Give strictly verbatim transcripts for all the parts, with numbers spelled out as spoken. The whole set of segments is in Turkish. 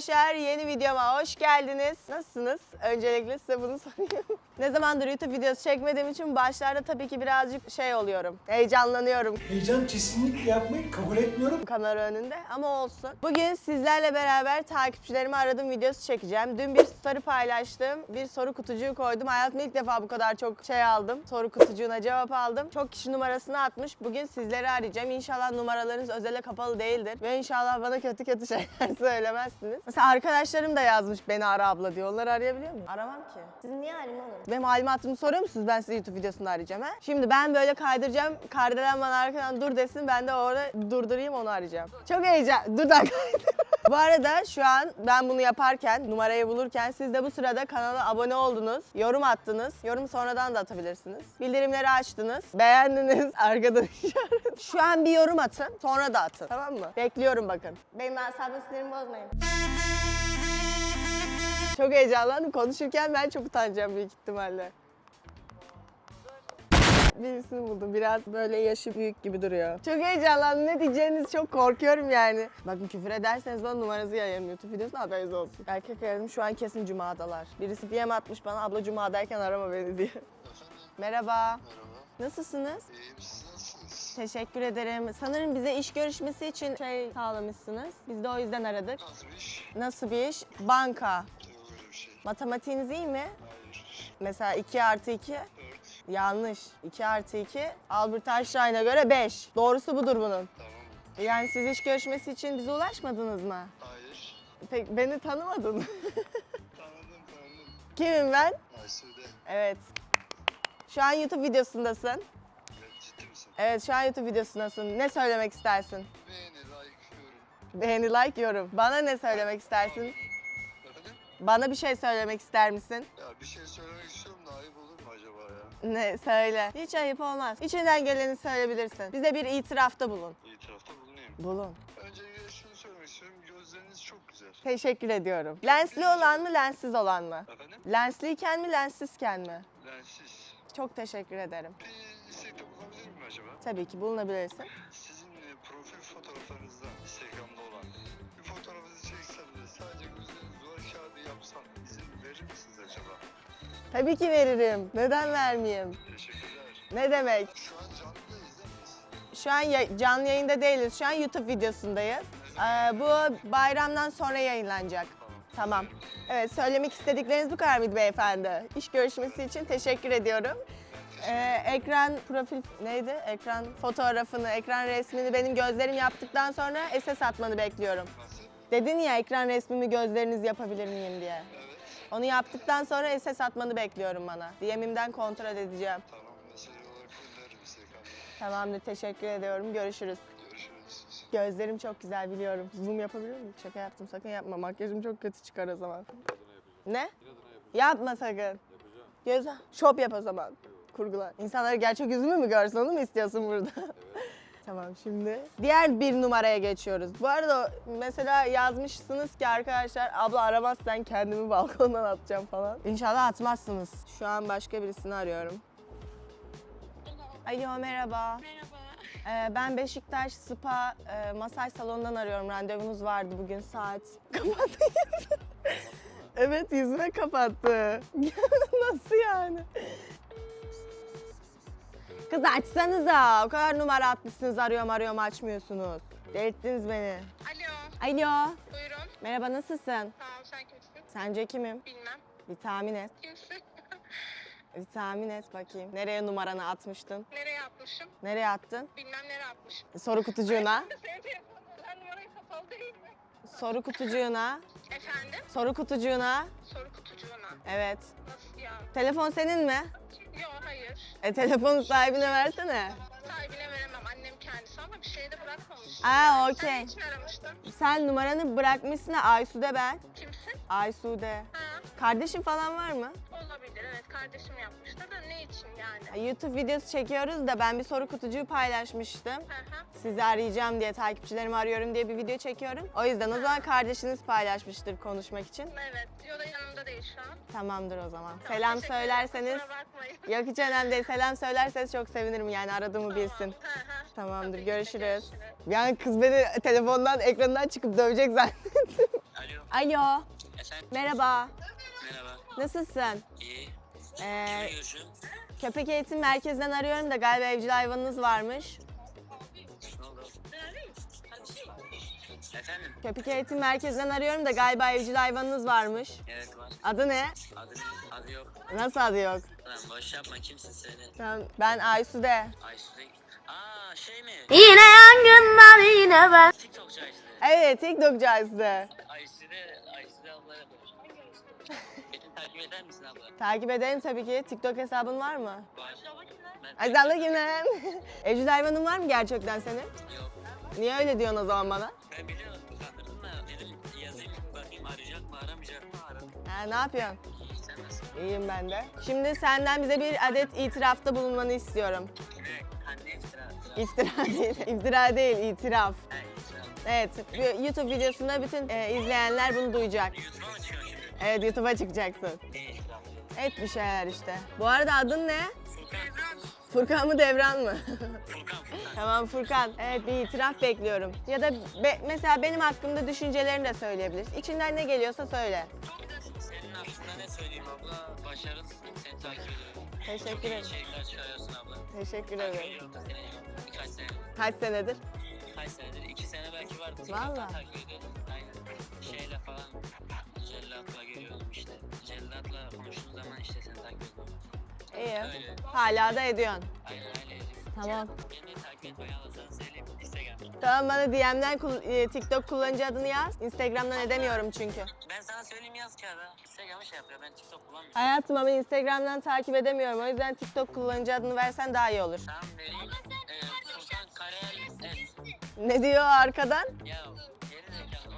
arkadaşlar, yeni videoma hoş geldiniz. Nasılsınız? Öncelikle size bunu sorayım. Ne zamandır YouTube videosu çekmediğim için başlarda tabii ki birazcık şey oluyorum. Heyecanlanıyorum Heyecan kesinlikle yapmayı kabul etmiyorum. kamera önünde ama olsun. Bugün sizlerle beraber takipçilerimi aradığım videosu çekeceğim. Dün bir story paylaştım. Bir soru kutucuğu koydum. Hayatımda ilk defa bu kadar çok şey aldım. Soru kutucuğuna cevap aldım. Çok kişi numarasını atmış. Bugün sizleri arayacağım. İnşallah numaralarınız özele kapalı değildir. Ve inşallah bana kötü kötü şeyler söylemezsiniz. Mesela arkadaşlarım da yazmış beni ara abla diyor. Onları arayabiliyor muyum? Aramam ki. Siz niye arayayım oğlum? Benim malumatımı soruyor musunuz? Ben size YouTube videosunda arayacağım ha. Şimdi ben böyle kaydıracağım. Kardelen bana arkadan dur desin. Ben de orada durdurayım, onu arayacağım. Çok heyecan. Dur da kaydır. Bu arada şu an ben bunu yaparken, numarayı bulurken siz de bu sırada kanala abone oldunuz, yorum attınız. Yorum sonradan da atabilirsiniz. Bildirimleri açtınız, beğendiniz, arkadan işaret. Şu an bir yorum atın, sonra da atın. Tamam mı? Bekliyorum bakın. Benim asabım sinirimi bozmayın. Çok heyecanlandım. Konuşurken ben çok utanacağım büyük ihtimalle. Birisini buldum. Biraz böyle yaşı büyük gibi duruyor. Çok heyecanlandım. Ne diyeceğinizi çok korkuyorum yani. Bakın küfür ederseniz bana numaranızı yayarım YouTube videosuna, haberiniz olsun. Erkek aradım, şu an kesin Cuma'dalar. Birisi D M atmış bana, abla Cuma'dayken arama beni diye. Efendim? Merhaba. Merhaba. Nasılsınız? İyiyim, siz nasılsınız? Teşekkür ederim. Sanırım bize iş görüşmesi için şey sağlamışsınız. Biz de o yüzden aradık. Nasıl bir iş? Nasıl bir iş? Banka. Yok öyle bir şey. Matematiğiniz iyi mi? Hayır. Mesela iki artı iki. Evet. Yanlış. iki artı iki. Albert Einstein'a göre beş. Doğrusu budur bunun. Tamam. Yani siz iş görüşmesi için bize ulaşmadınız mı? Hayır. Pek beni tanımadın. Tanıdım tanıdım. Kimim ben? Aysu'de. Evet. Şu an YouTube videosundasın. Evet, ciddi misin? Evet, şu an YouTube videosundasın. Ne söylemek istersin? Beğeni, like, yorum. Beğeni, like, yorum. Bana ne söylemek istersin? Efendim? Bana bir şey söylemek ister misin? Ya bir şey söylemek istiyorum da ayıp olur mu acaba ya? Ne? Söyle. Hiç ayıp olmaz. İçinden geleni söyleyebilirsin. Bize bir itirafta bulun. İtirafta bulunayım. Bulun. Öncelikle şunu söylemek istiyorum. Gözleriniz çok güzel. Teşekkür ediyorum. Lensli olan mı, lenssiz olan mı? Efendim? Lensliyken mi, lenssizken mi? Lensiz. Çok teşekkür ederim. Bir istekte bulunabilir miyim acaba? Tabii ki bulunabilirsin. Sizin e, profil fotoğraflarınızda Instagram'da olan bir fotoğrafınızı çeksem de sadece gözleriniz duvar kağıdı yapsam izin verir misiniz acaba? Tabii ki veririm. Neden vermeyeyim? Teşekkürler. Ne demek? Şu an canlı izlemeyiz. Şu an ya- canlı yayında değiliz. Şu an YouTube videosundayız. Ee, bu bayramdan sonra yayınlanacak. Tamam. Evet, söylemek istedikleriniz bu kadar mıydı beyefendi? İş görüşmesi için teşekkür ediyorum. Ee, ekran profil neydi? Ekran fotoğrafını, ekran resmini benim gözlerim yaptıktan sonra S S atmanı bekliyorum. Nasıl? Dedin ya ekran resmimi gözleriniz yapabilir miyim diye. Evet. Onu yaptıktan sonra S S atmanı bekliyorum bana. D M'imden kontrol edeceğim. Tamam. Mesaj olarak gönderirim Instagram'da. Tamamdır, teşekkür ediyorum. Görüşürüz. Görüşürüz. Gözlerim çok güzel biliyorum. Zoom yapabilir miyim? Şaka yaptım, sakın yapma. Makyajım çok kötü çıkar o zaman. Ne? Yapma sakın. Göz şop yap o zaman. Kurgular. İnsanlar gerçek yüzümü mü görsün, onu mu istiyorsun burada? Tamam, şimdi diğer bir numaraya geçiyoruz. Bu arada mesela yazmışsınız ki arkadaşlar, abla aramazsan kendimi balkondan atacağım falan. İnşallah atmazsınız. Şu an başka birisini arıyorum. Alo, merhaba. Merhaba. Ee, ben Beşiktaş Spa e, masaj salonundan arıyorum. Randevunuz vardı bugün saat. Kapattı yüzü. Evet, yüzüme kapattı. Nasıl yani? Kız açsanıza. O kadar numara atmışsınız, arıyorum arıyorum açmıyorsunuz. Delirttiniz beni. Alo. Alo. Buyurun. Merhaba, nasılsın? Tamam, sen kimsin? Sence kimim? Bilmem. Bir tahmin et. Kimsin? Bir tahmin et bakayım. Nereye numaranı atmıştın? Nereye atmışım? Nereye attın? Bilmem nereye atmışım. Soru kutucuğuna. Senin telefonundan numarayı kapalı değil mi? Soru kutucuğuna. Efendim? Soru kutucuğuna. Soru kutucuğuna. Evet. Nasıl ya? Telefon senin mi? Yok, hayır. E telefonu sahibine versene. Sahibine veremem. Annem kendisi ama bir şey de bırakmamış. Aa, Sen okey. için aramıştın? Sen numaranı bırakmışsın ha, Aysu'de ben. Kimsin? Aysu'de. Ha, Kardeşin falan var mı? olabilir. Evet, kardeşim yapmıştı da ne için yani? YouTube videosu çekiyoruz da ben bir soru kutucuğu paylaşmıştım. Hı hı. Sizi arayacağım diye, takipçilerimi arıyorum diye bir video çekiyorum. O yüzden o zaman kardeşiniz paylaşmıştır konuşmak için. Evet. Yo da yanımda değil şu an. Tamamdır o zaman. Tamam, Selam teşekkür ederim. söylerseniz... Kusura bakmayın. Yok, hiç önemli değil. Selam söylerseniz çok sevinirim, yani aradığımı Tamam. bilsin. Hı hı. Tamamdır, Tabii ki de görüşürüz. görüşürüz. Yani kız beni telefondan, ekrandan çıkıp dövecek zannettim. Alo. Alo. Efendim? Merhaba. Merhaba. Nasılsın? İyi. Ee, Kimle görüşüyorum? köpek eğitim merkezinden arıyorum da galiba evcil hayvanınız varmış. Ne oldu? Efendim? Köpek eğitim merkezinden arıyorum da galiba evcil hayvanınız varmış. Evet var. Adı ne? Adı ne? Adı yok. Nasıl adı yok? Lan boş yapma, kimsin söyle. Tamam. Ben Aysude. Aysu'da... Aa şey mi? Yine yangınlar yine ben. TikTokçu Aysu'da. Evet, TikTokçu Aysude. Aysu'da... Aysu'da ablaya boş. Beni takip eder misin abla? Takip ederim tabii ki. TikTok hesabın var mı? Var. Ben... Ay sen de kimden? Evcil hayvanın var mı gerçekten senin? Yok. Niye öyle diyorsun o zaman bana? Ben biliyorum, kandırdın da dedim yazayım bakayım arayacak mı aramayacak mı aradım. Ha, ne yapıyorsun? İyi, sen nasılsın? İyiyim ben de. Şimdi senden bize bir adet itirafta bulunmanı istiyorum. Ne? Anne iftira. İftira değil, iftira değil, itiraf. Ha, iftira. Evet, bu YouTube videosunda bütün e, izleyenler bunu duyacak. YouTube'a mı çıkıyor şimdi? Evet, YouTube'a çıkacaksın. Ne iftira? Et bir şeyler işte. Bu arada adın ne? Furkan. Furkan mı Devran mı? Furkan, Furkan. Tamam Furkan. Evet, bir itiraf bekliyorum. Ya da be- mesela benim hakkımda düşüncelerini de söyleyebilirsin. İçinden ne geliyorsa söyle. Senin hakkında ne söyleyeyim abla? Başarılısın. Seni takip ediyorum. Teşekkür Çok iyi ederim. içerikler çıkarıyorsun abla. Teşekkür Takip ederim. ediyorum da seni birkaç sene. Kaç senedir? Kaç senedir? İki sene belki vardı. Vallahi. TikTok'tan takip ediyordum. Aynen. Şeyle falan. Cellat'la görüyordum işte. Cellat'la konuştuğum zaman işte seni takip ediyorum. İyi. Öyle. Hala da ediyorsun. Aynen öyle. Tamam. Beni de takip etmeyi alırsan söyleyeyim. Instagram. Tamam bana D M'den kul- e, TikTok kullanıcı adını yaz. Instagram'dan edemiyorum çünkü. Ben sana söyleyeyim yaz kağıda. Instagram'ı şey yapıyor. Ben TikTok kullanmıyorum. Hayatım ama Instagram'dan takip edemiyorum. O yüzden TikTok kullanıcı adını versen daha iyi olur. Tamam vereyim. Ee, Furkan Karayel et. Ne diyor arkadan? Ya geri zekalı.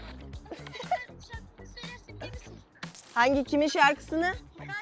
Hangi kimin şarkısını?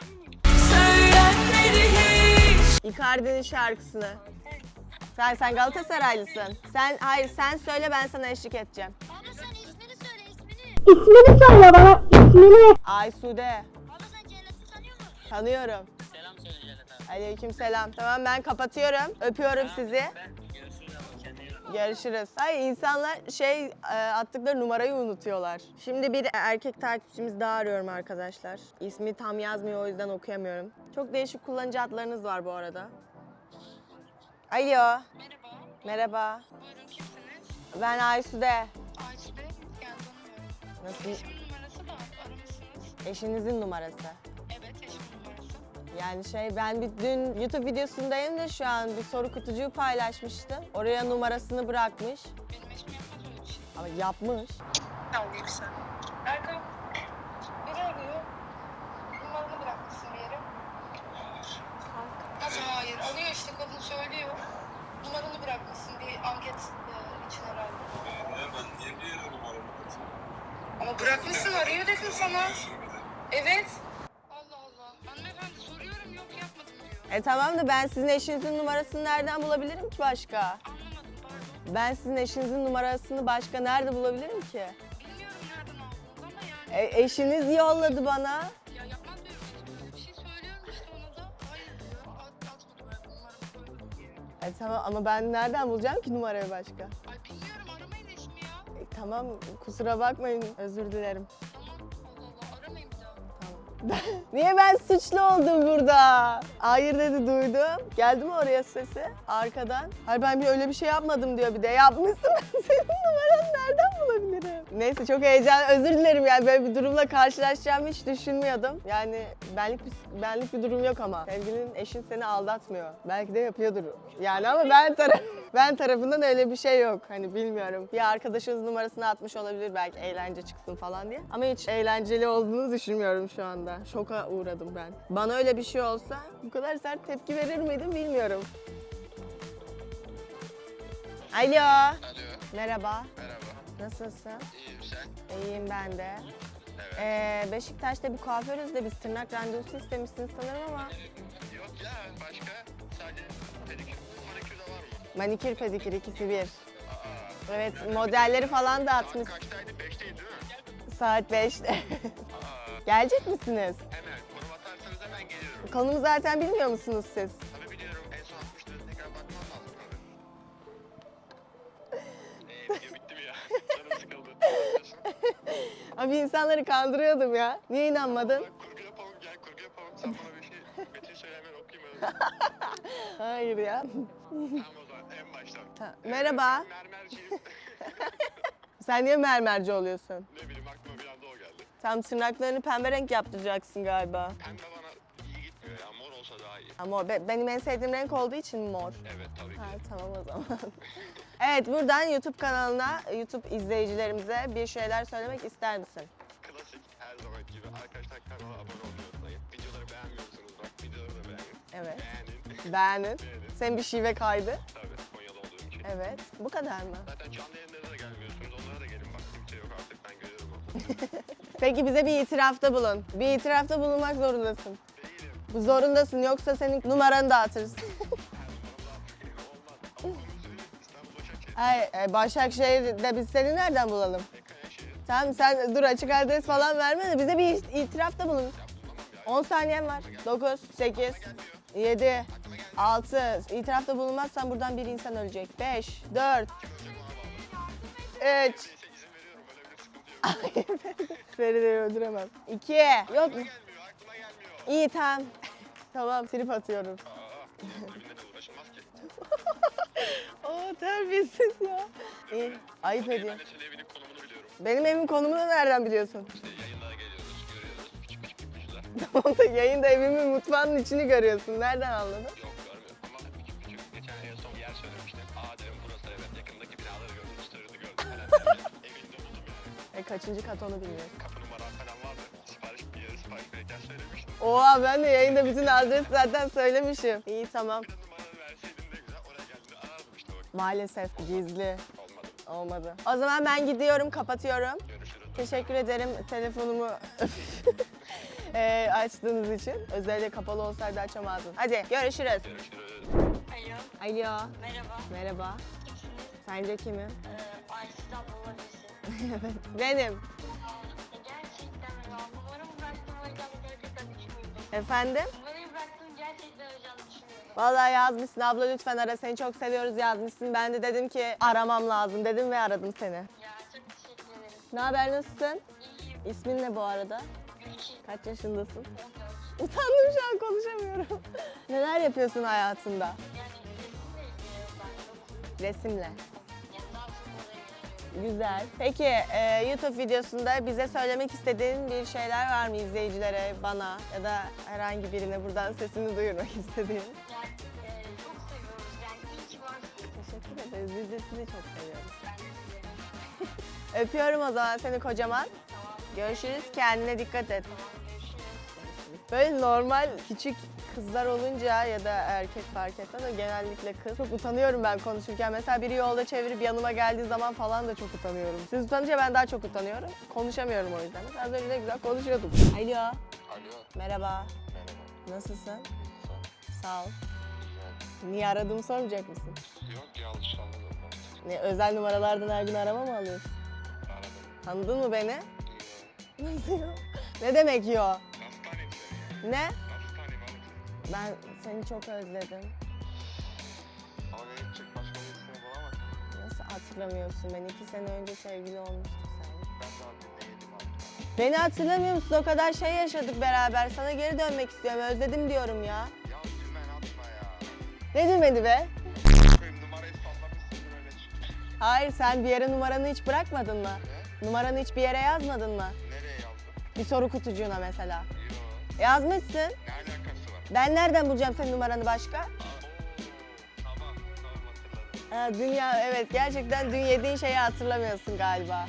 Icardi'nin şarkısını. Sen sen Galatasaraylısın. Sen hayır sen söyle ben sana eşlik edeceğim. Abla sen ismini söyle ismini. İsmini söyle bana ismini. Aysude. Abla sen Cennet'i tanıyor musun? Tanıyorum. Selam söyle Cennet abi. Aleykümselam. Tamam ben kapatıyorum. Öpüyorum sizi. Ben görüşürüz ama kendine iyi bak. Görüşürüz. Hayır insanlar şey e, attıkları numarayı unutuyorlar. Şimdi bir erkek takipçimiz daha arıyorum arkadaşlar. İsmi tam yazmıyor o yüzden okuyamıyorum. Çok değişik kullanıcı adlarınız var bu arada. Alo. Merhaba. Merhaba. Buyurun kimsiniz? Ben Aysude. Ayşe. Yani tanımıyorum. Nasıl? Eşimin numarası da aramışsınız. Eşinizin numarası. Evet eşimin numarası. Yani şey ben bir dün YouTube videosundayım da şu an bir soru kutucuğu paylaşmıştım. Oraya numarasını bırakmış. Benim eşim yapmaz öyle bir şey. Ama yapmış. Alayım sen. Erkan. Biri arıyor. Numaranı bırakmışsın bir yere. Nasıl hayır? Alıyor işte kadın söylüyor. Numaranı bırakmışsın bir anket e, için herhalde. Ben niye bir yere numaramı atayım? Ama bırakmışsın arıyor dedim sana. Evet. Allah Allah. Hanımefendi soruyorum yok yapmadım diyor. E tamam da ben sizin eşinizin numarasını nereden bulabilirim ki başka? Anlamadım pardon. Ben sizin eşinizin numarasını başka nerede bulabilirim ki? Bilmiyorum nereden aldınız ama yani. E, eşiniz yolladı bana. Ya yapmaz benim eşim böyle bir şey söylüyorum işte ona da. Hayır diyor. At, atmadı ben numaramı koydum diye. E tamam ama ben nereden bulacağım ki numarayı başka? Ay bilmiyorum aramayın eşimi ya. E, tamam kusura bakmayın özür dilerim. Tamam Allah Allah aramayın bir daha. Tamam. Niye ben suçlu oldum burada? Hayır dedi duydum. Geldi mi oraya sesi arkadan? Hayır ben bir öyle bir şey yapmadım diyor bir de. Yapmışsın ben senin numaranı nereden bulabilirim? Neyse çok heyecan özür dilerim yani böyle bir durumla karşılaşacağımı hiç düşünmüyordum. Yani benlik bir, benlik bir durum yok ama. Sevgilinin eşin seni aldatmıyor. Belki de yapıyordur. Yani ama ben taraf ben tarafından öyle bir şey yok. Hani bilmiyorum. Bir arkadaşınız numarasını atmış olabilir belki eğlence çıksın falan diye. Ama hiç eğlenceli olduğunu düşünmüyorum şu anda. Şoka uğradım ben. Bana öyle bir şey olsa bu kadar sert tepki verir miydim bilmiyorum. Alo. Alo, Merhaba. merhaba. Nasılsın? İyiyim sen? İyiyim ben de. Evet. Ee, Beşiktaş'ta bir kuaförüz de biz tırnak randevusu istemişsiniz sanırım ama Yok ya başka sadece pedikür, manikür de var mı? manikür pedikür ikisi bir. Aa, Evet modelleri falan da saat atmış. kaçtaydı? Beşteydi değil mi? Saat beşte. Aa, Gelecek misiniz? hemen konum atarsanız hemen geliyorum. Konumu zaten bilmiyor musunuz siz? Tabii biliyorum en son atmıştı tekrar bakmam lazım tabii. Eee video bitti mi ya? Canım sıkıldı. Ne yapıyorsun? Abi insanları kandırıyordum ya. Niye inanmadın? Kurgu yapalım gel kurgu yapalım. Sen bana bir şey Metin söyle hemen okuyayım öyle. Hayır ya. Tamam o zaman en baştan. Ha, merhaba. Mermerciyim. Sen niye mermerci oluyorsun? Ne bileyim aklıma bir anda o geldi. Tam tırnaklarını pembe renk yaptıracaksın galiba. Pembe bana iyi gitmiyor ya. Mor olsa daha iyi. Ama be- benim en sevdiğim renk olduğu için mor. Evet tabii ki. Ha, tamam o zaman. Evet, buradan YouTube kanalına, YouTube izleyicilerimize bir şeyler söylemek ister misin? Klasik her zaman gibi. Arkadaşlar kanala abone olmayı unutmayın. Videoları beğenmiyorsunuz bak. Videoları da beğenin. Evet. Beğenin. Beğenin. Beğenin. Senin bir şive kaydı. Tabii Konya'da olduğum için. Evet. Bu kadar mı? Zaten canlı yayınlara da gelmiyorsunuz. Onlara da gelin bak. Kimse yok artık ben görüyorum onu. Peki bize bir itirafta bulun. Bir itirafta bulunmak zorundasın. Değilim. Bu zorundasın yoksa senin numaranı dağıtırız. Her numaramda olmaz. Ama konuyu söyleyeyim. İstanbul Başakşehir. Hayır, e, Başakşehir'de biz seni nereden bulalım? Kayaşehir. Tamam sen dur açık adres falan verme de bize bir itirafta bulun. Ya bulamam ya. on saniyen var. dokuz, sekiz, yedi, altı. İtirafta bulunmazsan buradan bir insan ölecek. beş, dört, üç. Neyse izin veriyorum. Öyle bir sıkıntı yok. Feride'yi öldüremem. iki. Yok mu? Gelmiyor. Aklıma gelmiyor. İyi tamam. Tamam trip atıyorum. Aa. Ölümle de uğraşılmaz ki. Oo terbiyesiz ya. İyi. Ayıp Okey, ediyor. ben de senin evinin konumunu biliyorum. Benim evin konumunu nereden biliyorsun? İşte yayınlara geliyoruz, görüyoruz. Küçük küçük ipuçlar. Tamam da yayında evimin mutfağının içini görüyorsun. Nereden anladın? Yok görmüyorum ama küçük küçük. Geçen en son bir yer söylemiştim. Aa dedim burası evet. Yakındaki binaları gördüm, story'ini gördüm falan. derken Evinde buldum yani. E kaçıncı kat onu bilmiyorum. Kapı numaram falan vardı. Sipariş bir yere sipariş verirken söylemiştim. Oha ben de yayında bütün adresi zaten söylemişim. İyi tamam. Bir de numaranı verseydin ne güzel. Oraya geldiğinde arardım işte bak. Maalesef gizli. Olmadı. Olmadı. O zaman ben gidiyorum, kapatıyorum. Görüşürüz. Teşekkür ederim telefonumu eee, açtığınız için. Özellikle kapalı olsaydı açamazdım. Hadi görüşürüz. Görüşürüz. Alo, Alo. merhaba. Merhaba. Kimsiniz? Sence kimim? Ee, Ayşe abla olabilirsin. Evet. Benim. Aa, gerçekten mi? Ya, numaramı bıraktım o yüzden gerçekten düşünmüyordum. Efendim? Numarayı bıraktım gerçekten olacağını düşünmüyordum. Vallahi yazmışsın abla lütfen ara seni çok seviyoruz yazmışsın. Ben de dedim ki aramam lazım dedim ve aradım seni. Ya çok teşekkür ederim. Ne haber nasılsın? İyiyim. İsmin ne bu arada? Gülçin. Kaç yaşındasın? on dört. Utandım şu an konuşamıyorum. Neler yapıyorsun hayatında? Yani resimle ilgileniyorum ben çok. Resimle. Yani daha çok oraya yöneliyorum. Güzel. Peki e, YouTube videosunda bize söylemek istediğin bir şeyler var mı izleyicilere, bana ya da herhangi birine buradan sesini duyurmak istediğin? Yani e, çok seviyoruz. Yani iyi ki varsın. Teşekkür ederiz. Biz de sizi çok seviyoruz. Ben de sizi. Öpüyorum o zaman seni kocaman. Tamam. Görüşürüz. Kendine dikkat et. Tamam. Görüşürüz. Böyle normal küçük kızlar olunca ya da erkek fark etmez ama genellikle kız. Çok utanıyorum ben konuşurken. Mesela biri yolda çevirip yanıma geldiği zaman falan da çok utanıyorum. Siz utanınca ben daha çok utanıyorum. Konuşamıyorum o yüzden. Mesela az önce ne güzel konuşuyordum. Alo. Alo. Merhaba. Merhaba. Nasılsın? Sağ Sağ ol. Güzel. Niye aradığımı sormayacak mısın? Yok yanlış anladım. Ne, özel numaralardan her gün arama mı alıyorsun? Aradım. Tanıdın mı beni? Yok. Nasıl ya? Ne demek yo? Nasıl tanıyayım seni ya? Ne? Nasıl tanıyayım oğlum seni? Ben seni çok özledim. Ama beni gidecek başka birisini bulamaz. Nasıl hatırlamıyorsun? Ben iki sene önce sevgili olmuştuk seninle. Ben daha dinleyelim artık. Beni hatırlamıyor musun? O kadar şey yaşadık beraber. Sana geri dönmek istiyorum. Özledim diyorum ya. Ya dümen atma ya. Ne demedi be? Koyayım numarayı sallamışsındır öyle çıkmış. Hayır sen bir yere numaranı hiç bırakmadın mı? Ne? Numaranı hiç bir yere yazmadın mı? Nereye yazdın? Bir soru kutucuğuna mesela. Yok. Yazmışsın. Ne alakası var? Ben nereden bulacağım senin numaranı başka? Aa, oo, tamam tamam hatırladım. Ha, dünya evet gerçekten dün yediğin şeyi hatırlamıyorsun galiba.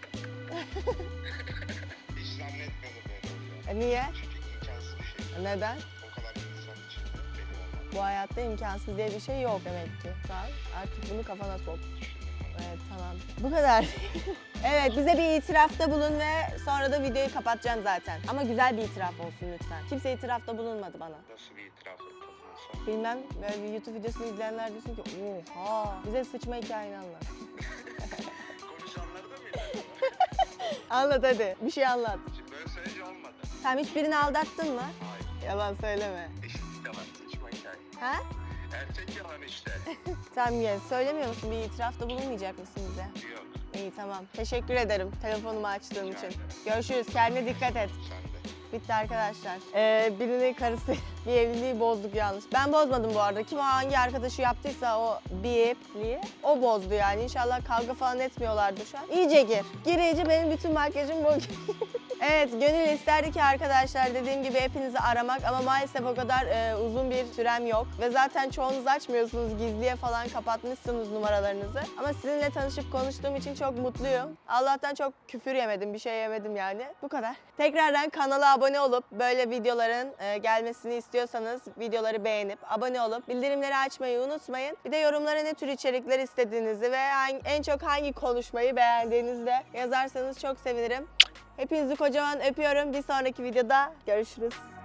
Hiç zannetmiyordum böyle olacağını. E, niye? Çünkü imkansız bir şey. Neden? O kadar insan içinde benim olmam. Bu hayatta imkansız diye bir şey yok demek ki. Tamam. Artık bunu kafana sok. Evet tamam. Bu kadar. Evet bize bir itirafta bulun ve sonra da videoyu kapatacağım zaten. Ama güzel bir itiraf olsun lütfen. Kimse itirafta bulunmadı bana. Nasıl bir itiraf yapalım son? Bilmem böyle bir YouTube videosunu izleyenler diyorsun ki oha bize sıçma hikayeni anlat. Konuşanları da mı ilerledin? Anlat hadi bir şey anlat. Şimdi böyle söyleyince olmadı. Sen hiç birini aldattın mı? Hayır. Yalan söyleme. Eşit yalan saçma hikaye. Ha? Erkek yalan işte. Tamam ya söylemiyor musun? Bir itirafta bulunmayacak mısın bize? Yok. İyi tamam. Teşekkür ederim telefonumu açtığım Rica için. ederim. Görüşürüz. Kendine dikkat et. Sen de. Bitti arkadaşlar. Ee, birinin karısı bir evliliği bozduk yanlış. Ben bozmadım bu arada. Kim o hangi arkadaşı yaptıysa o bipliği o bozdu yani. İnşallah kavga falan etmiyorlardı şu an. İyice gir. Gir iyice, benim bütün makyajım bu. Evet, gönül isterdi ki arkadaşlar dediğim gibi hepinizi aramak ama maalesef o kadar e, uzun bir sürem yok. Ve zaten çoğunuz açmıyorsunuz, gizliye falan kapatmışsınız numaralarınızı. Ama sizinle tanışıp konuştuğum için çok mutluyum. Allah'tan çok küfür yemedim, bir şey yemedim yani. Bu kadar. Tekrardan kanala abone olup böyle videoların e, gelmesini istiyorsanız videoları beğenip abone olup bildirimleri açmayı unutmayın. Bir de yorumlara ne tür içerikler istediğinizi ve hangi- en çok hangi konuşmayı beğendiğinizi de yazarsanız çok sevinirim. Hepinizi kocaman öpüyorum. Bir sonraki videoda görüşürüz.